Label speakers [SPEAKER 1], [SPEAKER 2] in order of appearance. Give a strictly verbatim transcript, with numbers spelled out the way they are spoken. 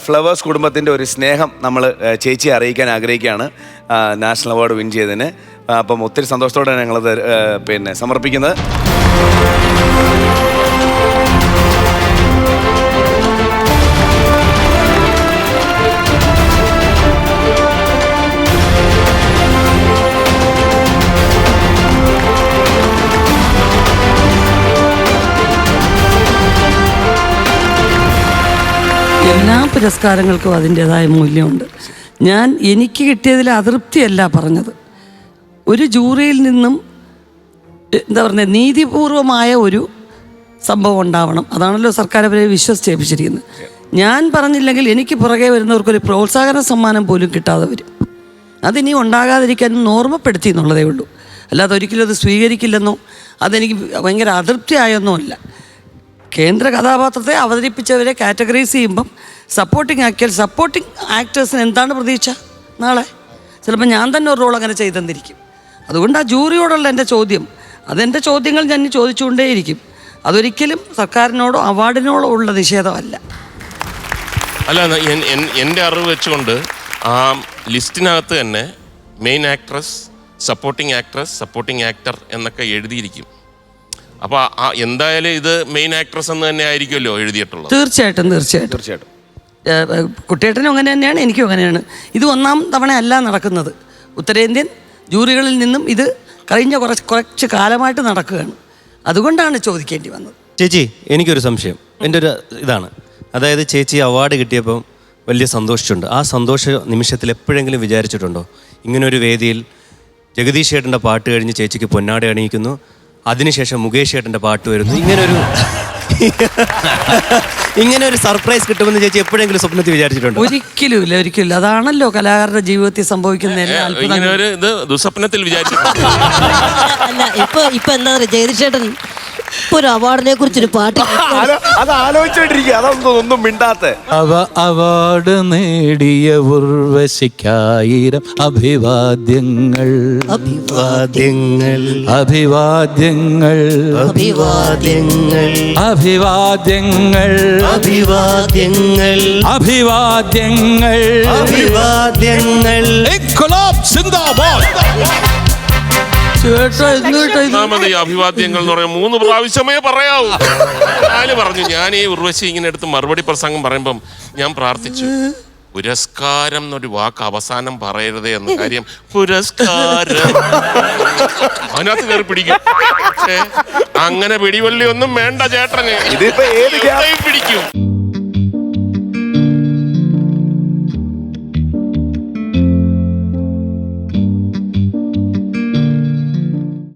[SPEAKER 1] Flowers കുടുംബത്തിൻ്റെ ഒരു സ്നേഹം നമ്മൾ ചേച്ചിയെ അറിയിക്കാൻ ആഗ്രഹിക്കുകയാണ് നാഷണൽ അവാർഡ് വിൻ ചെയ്തതിന്. അപ്പം ഒത്തിരി സന്തോഷത്തോടെയാണ് ഞങ്ങളത് പിന്നെ സമർപ്പിക്കുന്നത്.
[SPEAKER 2] എല്ലാ പുരസ്കാരങ്ങൾക്കും അതിൻ്റേതായ മൂല്യമുണ്ട്. ഞാൻ എനിക്ക് കിട്ടിയതിൽ അതൃപ്തിയല്ല പറഞ്ഞത്. ഒരു ജൂറിയിൽ നിന്നും എന്താ പറയുക, നീതിപൂർവമായ ഒരു സംഭവം ഉണ്ടാവണം. അതാണല്ലോ സർക്കാർ അവരെ വിശ്വസിച്ചേൽപ്പിച്ചിരിക്കുന്നത്. ഞാൻ പറഞ്ഞില്ലെങ്കിൽ എനിക്ക് പുറകെ വരുന്നവർക്കൊരു പ്രോത്സാഹന സമ്മാനം പോലും കിട്ടാതെ വരും. അതിനി ഉണ്ടാകാതിരിക്കാനും ഓർമ്മപ്പെടുത്തി എന്നുള്ളതേ ഉള്ളൂ. അല്ലാതെ ഒരിക്കലും അത് സ്വീകരിക്കില്ലെന്നോ അതെനിക്ക് ഭയങ്കര അതൃപ്തിയായെന്നോ അല്ല. കേന്ദ്ര കഥാപാത്രത്തെ അവതരിപ്പിച്ചവരെ കാറ്റഗറൈസ് ചെയ്യുമ്പം സപ്പോർട്ടിങ് ആക്കിയാൽ സപ്പോർട്ടിങ് ആക്ടേഴ്സിന് എന്താണ് പ്രതീക്ഷ? നാളെ ചിലപ്പോൾ ഞാൻ തന്നെ ഒരു റോൾ അങ്ങനെ ചെയ്തെന്നിരിക്കും. അതുകൊണ്ട് ആ ജൂറിയോടുള്ള എൻ്റെ ചോദ്യം, അതെൻ്റെ ചോദ്യങ്ങൾ ഞാൻ ചോദിച്ചുകൊണ്ടേയിരിക്കും. അതൊരിക്കലും സർക്കാരിനോടോ അവാർഡിനോടോ ഉള്ള നിഷേധമല്ല.
[SPEAKER 3] അല്ല, എൻ്റെ അറിവ് വെച്ചുകൊണ്ട് ആ ലിസ്റ്റിനകത്ത് തന്നെ main actress, supporting actress, supporting actor എന്നൊക്കെ എഴുതിയിരിക്കും. അപ്പോൾ എന്തായാലും ഇത് മെയിൻ ആക്ട്രസ് എന്ന് തന്നെ ആയിരിക്കുമല്ലോ എഴുതിയിട്ടുള്ളത്.
[SPEAKER 2] തീർച്ചയായിട്ടും തീർച്ചയായിട്ടും
[SPEAKER 1] തീർച്ചയായിട്ടും
[SPEAKER 2] കുട്ടിയേട്ടനും അങ്ങനെ തന്നെയാണ്, എനിക്കും അങ്ങനെയാണ്. ഇത് ഒന്നാം തവണ അല്ല നടക്കുന്നത്. ഉത്തരേന്ത്യൻ ജൂറികളിൽ നിന്നും ഇത് കഴിഞ്ഞ കുറച്ച് കുറച്ച് കാലമായിട്ട് നടക്കുകയാണ്. അതുകൊണ്ടാണ് ചോദിക്കേണ്ടി വന്നത്.
[SPEAKER 4] ചേച്ചി, എനിക്കൊരു സംശയം. എൻ്റെ ഒരു ഇതാണ്, അതായത് ചേച്ചി അവാർഡ് കിട്ടിയപ്പം വലിയ സന്തോഷിച്ചിട്ടുണ്ട്. ആ സന്തോഷ നിമിഷത്തിൽ എപ്പോഴെങ്കിലും വിചാരിച്ചിട്ടുണ്ടോ ഇങ്ങനൊരു വേദിയിൽ ജഗദീഷ് ചേട്ടൻ്റെ പാട്ട് കഴിഞ്ഞ് ചേച്ചിക്ക് പൊന്നാട അണിയിക്കുന്നു, അതിനുശേഷം മുകേഷ് ചേട്ടൻ്റെ പാട്ട് വരുന്നു, ഇങ്ങനൊരു ഇങ്ങനെ ഒരു സർപ്രൈസ് കിട്ടുമെന്ന് ചേച്ചി എപ്പോഴെങ്കിലും സ്വപ്നത്തിൽ വിചാരിച്ചിട്ടുണ്ടോ?
[SPEAKER 2] ഒരിക്കലും ഇല്ല, ഒരിക്കലും ഇല്ല. അതാണല്ലോ കലാകാരന്റെ ജീവിതത്തിൽ സംഭവിക്കുന്ന എല്ലാ അത്ഭുതങ്ങളും.
[SPEAKER 3] ദുസ്വപ്നത്തിൽ വിചാരിച്ചു.
[SPEAKER 5] അല്ല, ഇപ്പൊ ഇപ്പൊ എന്താ പറയുക, ജഗദീഷ് ചേട്ടൻ ഇപ്പൊ ഒരു അവാർഡിനെ കുറിച്ചൊരു പാട്ട്
[SPEAKER 1] അത് ആലോചിച്ചോണ്ടിരിക്കുക, അതൊന്നും ഒന്നും മിണ്ടാത്ത.
[SPEAKER 6] അവ അവാർഡ് നേടിയ ഉർവശിക്കായിരം അഭിവാദ്യങ്ങൾ
[SPEAKER 4] അഭിവാദ്യങ്ങൾ
[SPEAKER 6] അഭിവാദ്യങ്ങൾ
[SPEAKER 5] അഭിവാദ്യങ്ങൾ
[SPEAKER 6] അഭിവാദ്യങ്ങൾ
[SPEAKER 4] അഭിവാദ്യങ്ങൾ
[SPEAKER 6] അഭിവാദ്യങ്ങൾ
[SPEAKER 4] അഭിവാദ്യങ്ങൾ
[SPEAKER 6] ഇൻക്ലാബ് സിന്ദാബാദ്.
[SPEAKER 3] ഒന്നാമത് ഈ അഭിവാദ്യങ്ങൾ എന്ന് പറയാൻ മൂന്ന് പ്രാവശ്യമേ പറയാവൂ. ഞാന് പറഞ്ഞു, ഞാൻ ഈ ഉർവശി ഇങ്ങനെ എടുത്ത് മറുപടി പ്രസംഗം പറയുമ്പം ഞാൻ പ്രാർത്ഥിച്ചു, പുരസ്കാരം എന്നൊരു വാക്ക് അവസാനം പറയരുതേ എന്ന കാര്യം. പുരസ്കാരം അതിനകത്ത് കയറി പിടിക്കും. പക്ഷേ അങ്ങനെ പിടിവള്ളി ഒന്നും വേണ്ട ചേട്ടന്,
[SPEAKER 1] ഇതിപ്പോ ഏത്
[SPEAKER 3] പിടിക്കും.